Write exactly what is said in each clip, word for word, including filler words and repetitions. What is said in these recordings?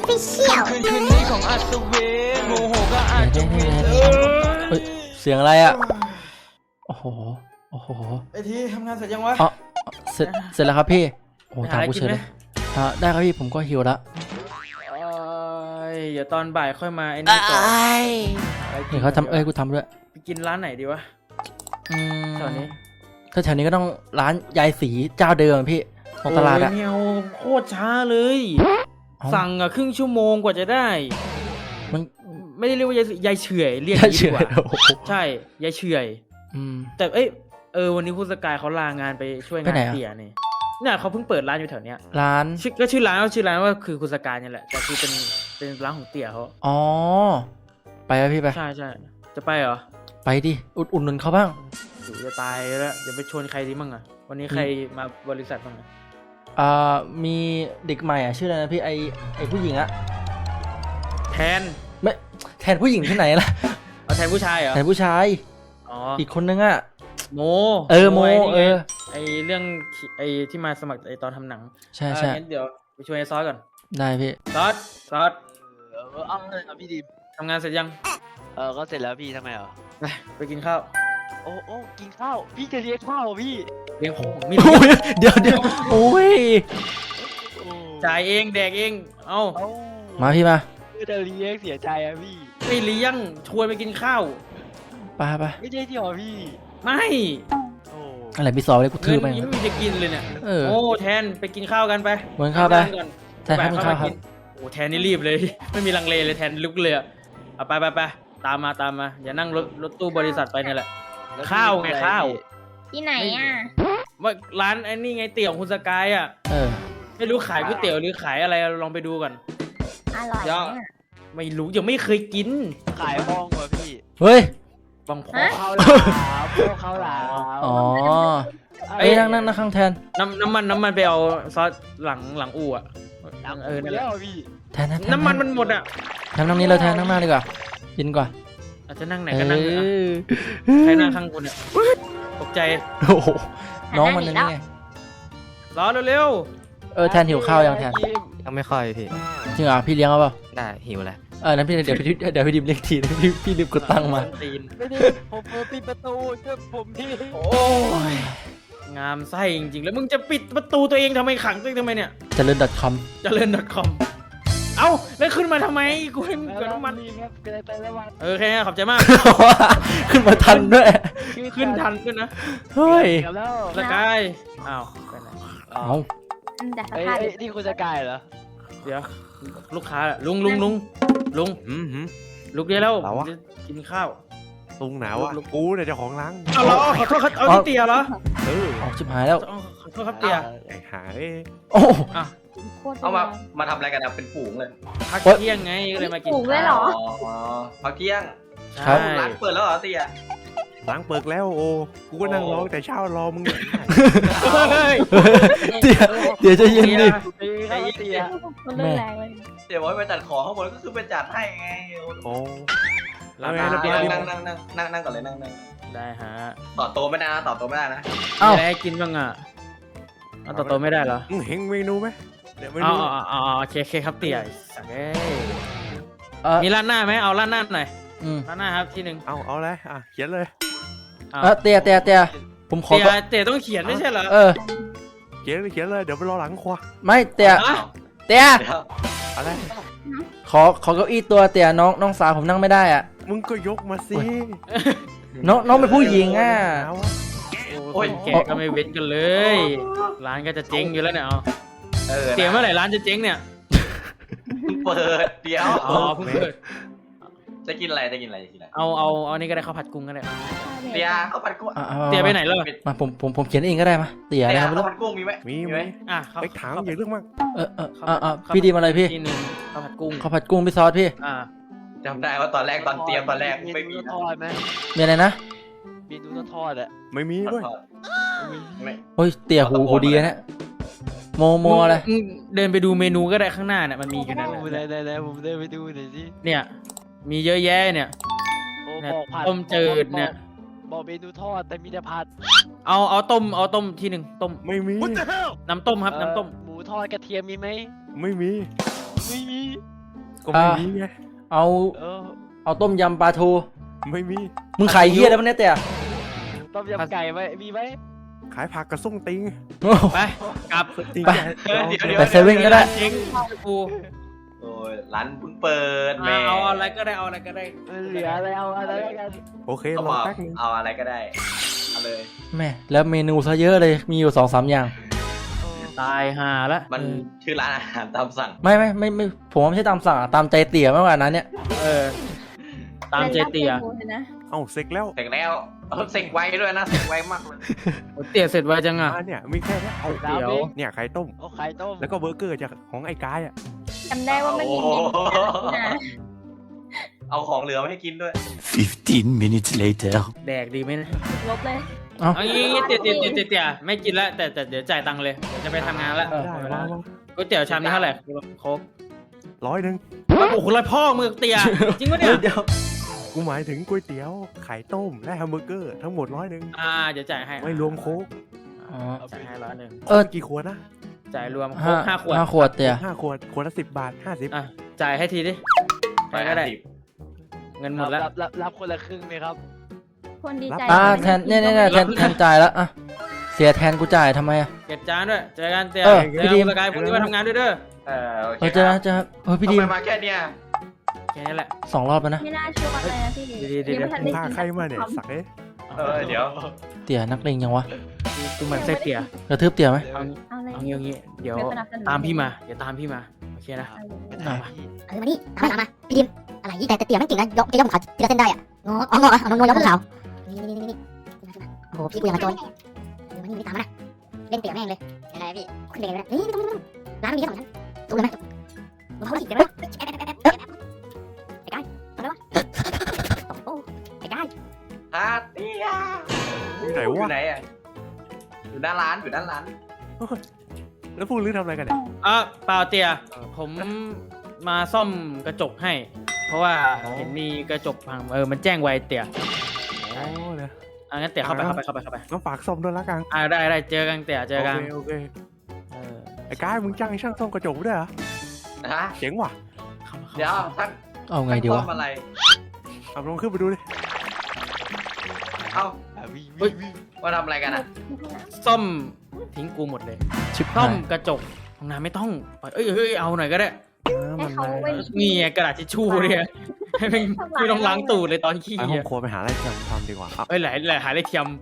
Official คืนคืนนี้ของอัศวินโมโหก็อาจจะเวียนเฮ้ยเสียงอะไรอ่ะโอ้โหโอ้โหไอทีทำงานเสร็จยังวะอ๋อเสร็จเสร็จแล้วครับพี่โอ้หาถามอะไรกูกิเฉนยไหมเลยอ่าได้ครับพี่ผมก็หิวละเอ้ยเดี๋ยวตอนบ่ายค่อยมาไอ้นี่ก่อนไปกิเห็นเขาทำเอ้ยกูทำด้วยไปกินร้านไหนดีวะอืมตอนนี้ถ้าแถวนี้ก็ต้องร้านยายสีเจ้าเดิมพี่ของตลาดอะโยเมียวโคตรช้าเลยเอ้าสั่งอะครึ่งชั่วโมงกว่าจะได้มันไม่ได้เรียกว่ายายยายเฉื่อยเรียกยายดีเฉยกว่าโอ้โหใช่ยายเฉื่อยอืมแต่เอ้ยเออวันนี้คุณสกายเขาลางานไปช่วยไปงานไหนอะเตี่ยนี่เนี่ยเขาเพิ่งเปิดร้านอยู่แถวเนี้ยร้านชื่อก็ชื่อร้านว่าชื่อร้านว่าคือคุณสกายเนี่ยแหละแต่คือเป็นเป็นร้านของเตี่ยเขาอ๋อไปไหมพี่ไปใช่ใช่จะไปเหรอไปดิอุดอุ่นนุนเขาบ้างอยู่จะตายแล้วจะไปชวนใครดีมั่งอะวันนี้ใครมาบริษัทบ้างอะอ่ามีเด็กใหม่อ่ะชื่ออะไรนะพี่ไอไอผู้หญิงอะแทนไม่แทนผู้หญิงที่ไหนล่ะเอาแทนผู้ชายเหรอแทนผู้ชายอ๋ออีกคนนึงอะโมเออโมไนี่ไงเออไอเรื่องไอที่มาสมัครไอตอนทำหนังใช่เออใช่งั้นเดี๋ยวไปชวนไอซอสก่อนได้พี่ซอสซอสเออเอาเลยครับพี่ดิมทำงานเสร็จยังเออก็เสร็จแล้วพี่ทำไมเหรอไปไปกินข้าวโอ้โอ้กินข้าว พี่จะเลี้ยงข้าวเหรอพี่เลี้ยงของมีโอ้ยเดี๋ยวเดี๋ยวโอ้ยโอ้จ่ายเองแดกเองเอ้าเอ้ามาพี่มาไม่จะเลี้ยงเสียใจอะพี่ไม่เลี้ยงชวนไปกินข้าวไปไปไม่ใช่ที่หรอพี่ไม่โอ้อะไรพี่สอบเลยกูทืเงิอน ไปยังไม่มีจะกินเลยเนี่ยเออโอ้แทนไปกินข้าวกันไปเหมือนข้าวไปทำงก่อนแทนครับบ่ยข้าวครับกินโอ้แทนนี่รีบเลย ไม่มีลังเลเลยแทนลุกเลยอะเอาไปไปไปตามมาตามมาอย่านั่งรถรถตู้บริษัทไปเนี่ยแหละแล้วข้าวไงพี่ข้าวที่ไหนอ่ะว่าร้านไอ้นี่ไงเตี๋ยวของคุณสกายอ่ะเออไม่รู้ขายก๋วยเตี๋ยวหรือขายอะไรลองไปดูก่อนอร่อยเดี๋ยวเนี่ยไม่รู้ยังไม่เคยกินขายห้องว่ะพี่เฮ้ยบางพอฮะข้าวหลามข้าวหลามอ๋อเอ้เอ้ยยนั่งนั่งนั่งข้างแทนน้ำน้ำมันน้ำมันไปเอาซอสหลังหลังอู่อ่ะเออนั่นแหแล้ละวพี่แทนแทนแทน้ำมันมันหมดอ่ะแทนนั่งนี้เราแทนนั่งหน้าดีกว่ายินกว่าอาจจะนั่งไหนก็นั่งเถอะอะเออใครนั่งข้างกูเนี่ยตกใจโอ้โหน้องมันนั่นไงรอเร็วเออแทนหิวข้าวยังแทนยังไม่ค่อยพี่จริงเหรอพี่เลี้ยงเอาเปล่าได้หิวแล้วเออนั้นพี่เดี๋ยวพี่เดี๋ยวพี่ดิมเลี้ยงทีนะพี่พี่รีบกดตังค์มาตีนไม่ได้ผมเปิดปิดประตูช่วยผมทีโอ้ยงามไส้จริงๆแล้วมึงจะปิดประตูตัวเองทำไมขังตัวเองทำไมเนี่ยเจริญ .com เจริญ .com เอ้าแล้วขึ้นมาทำไมกูให้มึงเกิดน้ำมันรีบครับเกิดไปแล้ววันเออโอเคขอบใจมากขึ้นมาทันด้วยขึ้นทันขึ้นนะเฮ้ยเกือบแล้วสกายอ้าวไปไหนเอาอืมแต่สเอ้ยภาพเอ้ยนี่คุณสกายเหรอเดี๋ยวลูกค้าอะลุงลุงลุงลุงอืมหืมลุกได้แล้วเราวะจะกินข้าวลุงหนาวอ่ะลุกกูเนี่ยเจ้าของร้านเอาเหรอขอโทษครับเอาที่เตียเหรอเออออกชิบหายแล้วเอาขอโทษครับเตียไอ้หาเอ้ยโอ้อ่ะโคตรเอามาแรงมาทำอะไรกันอะเป็นฝูงเลยพักโอ๊ยเที่ยงไงก็เลยมากินปลูกด้วยเหรออ๋อพักเที่ยงครับใช่ร้านเปิดแล้วเหรอเตียร้านเปิดแล้วโอ้กูก็นั่งรอแต่เช้ารอมึงเนี่ยเฮ้ยเดี๋ยวเดี๋ยวจะเย็นดิตีเข้ามาตีอะมันเริ่มแรงเลยเดี๋ยวบอกให้ไปจัดของข้างบนก็คือไปจัดให้ไงโอ้ร้านเอาไงอาเดี๋ยวหารเดี๋ยวนั่งนั่งนั่งนั่งนั่งก่อนเลยนั่งนั่งได้ฮะต่อโตะไม่ได้นะต่อโตะไม่ได้นะเอ้ามีอะไรให้กินบ้างอ่ะเอาต่อโตไม่ได้เหรอมึงเห็นเมนูไหมเดี๋ยวเมอ๋นูออ๋ออ๋อโอเคโอเคครับเตี่ยสักเอ้ยเออมีร้านหน้าไหมเอาร้านหน้าหน่อยอืมร้านหน้าครับที่หนึ่งเอาเอาเลยอ่ะเขียนเลยเอาเออเตียเตียเตียผมขอเตี่ยก็เตี่ยต้องเขียนไม่ใช่เหรอเออเขียนเลยเขียนเลยเดี๋ยวไปรอหลังครัวไม่เตียอ่ะเตียเดี๋ยวอะไรขอขอเก้าอี้ตัวเตียน้องน้องสาวผมนั่งไม่ได้อ่ะมึงก็ยกมาสิน้องน้องเป็นผู้หญิงอ่ะหนาวอะโอ้ยคนแก่ก็ไม่เว้นกันเลย ร้านก็จะเจ๊งอยู่แล้วเนี่ยเอาเออเตี่ยเมื่อไหร่ร้านจะเจ๊งเนี่ยเปิดเดี๋ยวอ๋อเพิ่งเปิดจะกินอะไรจะกินอะไรจะกินอะไรเอาเอาเอานี่ก็ได้ข้าวผัดกุ้งก็ได้เตียข้าวผัดกุ้งอ่ะอาเตี่ยไปไหนแล้วมาผมผมผมเขียนเองก็ได้มาเตียเตีนะยครับไม่ข้าวรู้ผัดกุ้งมีไหมมีมีไหไหมมอ่ะข้าวไปถามอย่าเรื่องมากเออเออเออเออพี่ดีมาเลยพี่ที่หนึ่งข้าวผัดกุ้งข้าวผัดกุ้งพี่ซอสพี่อ่าจำได้ว่าตอนแรกตอนเตรียมตอนแรกไม่มีเนูทอดไหมมีอะไรนะมีนูทอดอะไม่มีด้วยไม่โอ้ยเตียหูหูดีนะเนี่ยโมโมอะไรมึงเดินไปดูเมนูก็ได้ข้างหน้าเนี่ยมันมีอยู่นั่นโอ้แหละได้ได้ได้ผมเดินไปดูหน่อยสิเนี่ย มีเยอะแยะเนี่ยโอ้เนี่ยบอกผัดต้มจืดเนี่ยบอกเมนูทอดแต่มีแต่ผัดเอาเอาต้มเอาต้มที่หนึ่งต้มไม่มีน้ำต้มครับเอ่อน้ำต้มหมูทอดกระเทียมมีไหมไม่มีไม่มีก็ไม่มีไงเอาเออเอาต้มยำปลาทูไม่มีมึงขายเฮียแล้วมันเนี่ยเตี่ยต้มยำไก่ไหมมีไหมขายผักกระส่งติงโอ้โหไปกลับติงไปแกเออเดี๋ยวเดี๋ยวไปเซเว่นก็ได้เจ๊งกูโอ้ยร้านเพิ่งเปิดแม่เอาอะไรก็ได้เอาอะไรก็ได้เหลืออะไรเอาอะไรกันโอเคเขารบออกแป๊บนึงเอาอะไรก็ได้เอาเลยแม่แล้วเมนูซะเยอะเลยมีอยู่สองสามอย่างตายห่าละมันชื่อร้านอาหารตามสั่งไม่ไม่ไม่ไม่ผมว่าไม่ใช่ตามสั่งอะตามใจเตี่ยมากกว่านั้นเนี่ยเออ ตามเจเตียป็นรับมนูเลยนะเอ้าเสร็จแล้วเสร็จแล้วเออเสร็จไวด้วยนะเสร็จไวมากเลยเตี๋ยเสร็จไวจังอ่ะอ่าเนี่ยมีแค่เนี้ยเอาดาวเดี๋ยวเองเนี่ยไข่ต้มเอาไข่ต้มแล้วก็เบอร์เกอร์จากของไอ้กายอ่ะจำได้ว่ามันมีโอ้เมโหนูนะเอาของเหลือมาให้กินด้วย Fifteen minutes later. แดกดีไหมนะลบเลยเอ้าเอางี้งี้เตี๋ยเตี๋ยเตี๋ยเตี๋ยเตี๋ยไม่กินละแต่แต่เดี๋ยวจ่ายตังค์เลยเดี๋ยวจะไปทำงานละได้มามาก๋วยเตี๋ยวชามนี้เท่าไหร่โค้กร้อยหนึ่งโอ้โหเลยพ่อมือเตี๋ยจริงปะเนี่ยเดี๋ยวกูหมายถึงก๋วยเตี๋ยวไข่ต้มและแฮมเบอร์เกอร์ทั้งหมดร้อยหนึ่งอ่าเดี๋ยวจ่ายให้ไม่รวมโค้กอ๋อจ่ายให้ร้อยหนึ่งเออกี่ขวดนะจ่ายรวมโค้ห้ากห้าขวดห้าขวดเตี่ยห้าขวดขวดละสิบบาทห้าสิบอ่ะจ่ายให้ทีดิไปก็ได้สิบเงินหมดแล้วรับรับรับคนละครึ่งไหมครับคนดีใจอ่าแทนเนี่ยเนี่ยเนี่ยแทนแทนจ่ายแล้วอ่ะเสียแทนกูจ่ายทำไมอ่ะเก็บจานด้วยเจอกันเตี๋ยเออเจอพี่ดีมกันสกายพรุ่งนี้มาทำงานด้วยเด้อเออโอเคเออเจอนะเจอนะเฮ้ยพี่ดีทำมไมมาแค่เนี้ยแค่นี้แหละสองรอบแล้วนะไม่น่าเชื่อเลยนะพี่ดีๆๆยังไม่ทันได้พากินใครมาเนี่ยสักเอ้ยเออเดี๋ยวเตี่ยนักเลงยังวะกูเหมือนไส้เตี๋ยกระทืบเตี่ยไหมเอางี้เอาเลยเอางี้เอางี้เดี๋ยวไม่สนับสนุนตามพี่มาเดี๋ยวตามพี่มาโอเคนะเอาเลยอ่ะเออมานี่ตามมาตามมาพี่ดิมอะไรแต่แต่เตี๋ยวมันเก่งนะยกจะยกขาวทีละเส้นได้อะงออ๋องอเอานงยกขาวนี่นี่นี่นี่โอ้โหพี่กูยังมาโจยเออมานี่นี่ตามมานะเล่นเตี๋ยวแม่งเลยอะไรพี่ขึ้นเองเลยนี่ไม่ต้องไม่ต้องร้านมีแค่สองชั้นดูเลยไหมเขาดิเดี๋ยวนะไอ้กายทำไรวะโอ้ไอ้กายฮาเตียอยู่ไหนอยู่วะไหนอ่ะอยู่หน้าร้านอยู่หน้าร้านแล้วพวกลื้อทำอะไรกันเนี่ยอ่ะเปล่าเตียผมมาซ่อมกระจกให้ เพราะว่าเห็นมีกระจกพังเออมันแจ้งไวเตียอ๋อเนี่ยอ่ะงั้นเตียเข้าไปเข้าไปเข้าไปเข้าไปงั้นฝากซ่อมด้วยละกันอ่ะได้ได้เจอกันเตียเจอกันโอเคโอเคเออไอ้กายมึงจ้างช่างซ่อมกระจกด้วยเหรอฮะเจ๋งว่ะเข้ามาเข้าเดี๋ยวมาท่านเอาไงดีวะท่านซ่อมอะไรเอาลองขึ้นไปดูดิเอ้าอ่ะวิ่งวิ่งวิ่งว่าทำอะไรกันอ่ะซ่อมทิ้งกูหมดเลยชิบซ่อหาม ยกระจกห้องน้ำไม่ต้องเอ้ยเฮ้ยเอาหน่อยก็ได้อ่าให้มันเขามาไว้นี่ไงกระดาษทิชชู่เนี่ยให้ไม่ไม่ต้องล้างตูดเลยตอนขี้ไปห้ออ่ะงครัวไปหาอะไรทำทำดีกว่าอ่ะเอ้ยหลายหลายหาได้เทียม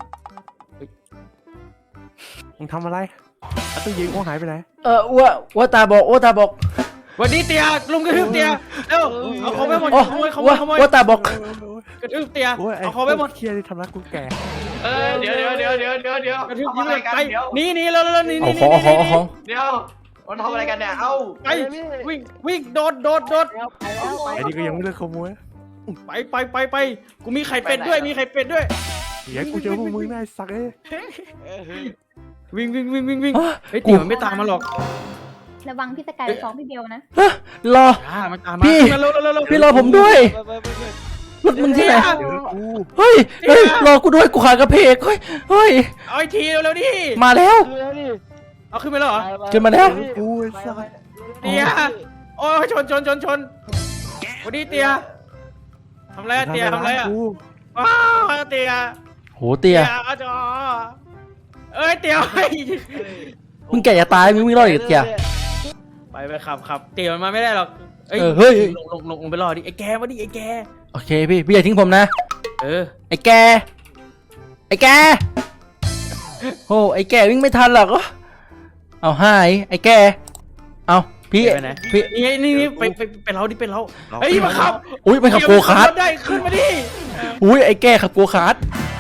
มึงทำอะไรอ่ะตู้ยิงโอ้หายไปไหนเอออ้วอ้วตาบอกอ้วตาบอกวันนี้เตียลุงกระทืบเตียเร็วเอาเขาไปหมดโอ้ขโมยขโมอ้วยขโมยอ้วตาบอกกระทืบเตียโอ้ยไอ้เอาเขาไปหมดเครียดที่ทำรักกูแก่เออเดี๋ยวเดี๋ยวเดี๋ยวเดี๋ยวเดี๋ยวเดี๋ยวกระทืบทำยิ้มอะไรเลยกันไปเดี๋ยวหนี่นี่แล้วแล้วนี่เอานี่ของเอาของเอาของเดี๋ยวมันทำอะไรกันเนี่ยเอ้าไปวิ่งวิ่งโดดโดดโดดแล้วไปแล้วไปไอ้นี่ก็ยังไม่เลิกขโมยไปไปไปไปกูมีไข่เป็ดด้วยมีไข่เป็ดด้วยเดี๋ยวกูเจอพวกมึงได้สักเอ้ยเออเฮ้ยวิ่งวิ่งวิ่งวิ่งวิ่งอ่ะเฮ้ยเตี๋ยวมันไม่ตามมาหรอกระวังพี่สกายไปฟ้องพี่เบลนะรออ่ามันตามมาพี่ขึ้นมาเร็วเร็วเร็วเร็วพี่รอผมด้วยไปไปไปไปรถมึงที่ไหนเดี๋ยวกูเฮ้ยเฮ้ยรอกูด้วยกูขากระเพกเฮ้ยเฮ้ยเอาไอ้ทีเร็วเร็วดิมาแล้วดูแล้วดิเอาขึ้นไปแล้วเหรอไปไปขึ้นมาแล้วกูไอ้สัสเตียโอ้ยชนชนชนชนวันนี้เตียทำไรอะเตียทำไรอะกูว้าวเตียโหเตียอาจอเอ้ยเตียไปมึงแก่จะตายมึงวิ่งรอดอีกเตียไปไปขับขับเตียมันมาไม่ได้หรอกเอ้ยเออเฮ้ยลงลงลงลงไปรอดิไอ้แกมาดิไอ้แกโอเคพี่พี่อย่าทิ้งผมนะเออไอ้แกไอ้แกโอ้ไอ้แกวิ่งไม่ทันหรอกเอาหายไอ้แกเอาพี่ไปไหนพี่นี่ไงนี่นี่ไปไปไปเราดิไปเราเฮ้ยมาขับอุ้ยไปขับโกคาร์ทได้ขึ้นมาดิอุ้ยไอ้แกขับโกคาร์ท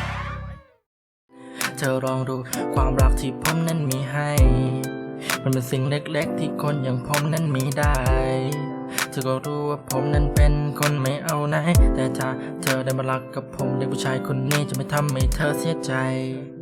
เธอลองดูความรักที่ผมนั้นมีให้ มันเป็นสิ่งเล็กๆที่คนอย่างผมนั้นมีได้เธอก็รู้ว่าผมนั้นเป็นคนไม่เอาไหนแต่ถ้าเธอได้มารักกับผมเด็กผู้ชายคนนี้จะไม่ทำให้เธอเสียใจ